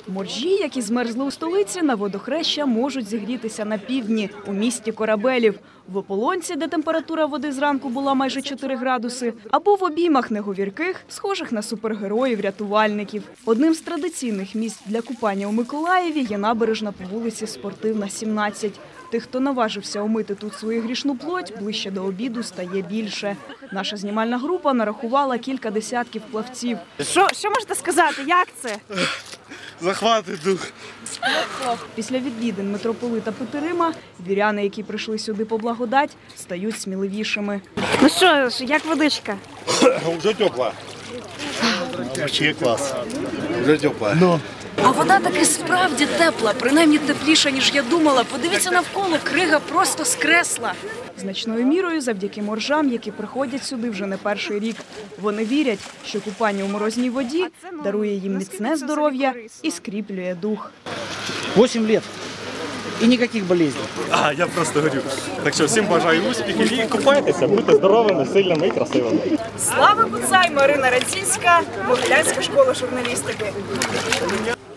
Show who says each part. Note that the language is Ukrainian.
Speaker 1: Моржі, які змерзли у столиці, на водохреща можуть зігрітися на півдні, у місті Корабелів. В Ополонці, де температура води зранку була майже 4 градуси, або в обіймах неговірких, схожих на супергероїв-рятувальників. Одним з традиційних місць для купання у Миколаєві є набережна по вулиці Спортивна, 17. Тих, хто наважився омити тут свою грішну плоть, ближче до обіду стає більше. Наша знімальна група нарахувала кілька десятків плавців. Що можете сказати, як це?
Speaker 2: Захватить дух.
Speaker 1: Після відвідин митрополита Петерима віряни, які прийшли сюди по благодать, стають сміливішими. Ну що ж, як водичка?
Speaker 2: Вже тепла. Вообще клас. Вже тепла.
Speaker 1: А вода таки справді тепла, принаймні тепліша, ніж я думала. Подивіться навколо, крига просто скресла. Значною мірою завдяки моржам, які приходять сюди вже не перший рік. Вони вірять, що купання у морозній воді дарує їм міцне здоров'я і скріплює дух.
Speaker 3: 8 років і ніяких болезней.
Speaker 4: Я просто говорю. Так що всім бажаю успіхів і купайтеся, будьте здоровими, сильними і красивими.
Speaker 1: Слава Буцай, Марина Радзінська, Могилянська школа журналістики.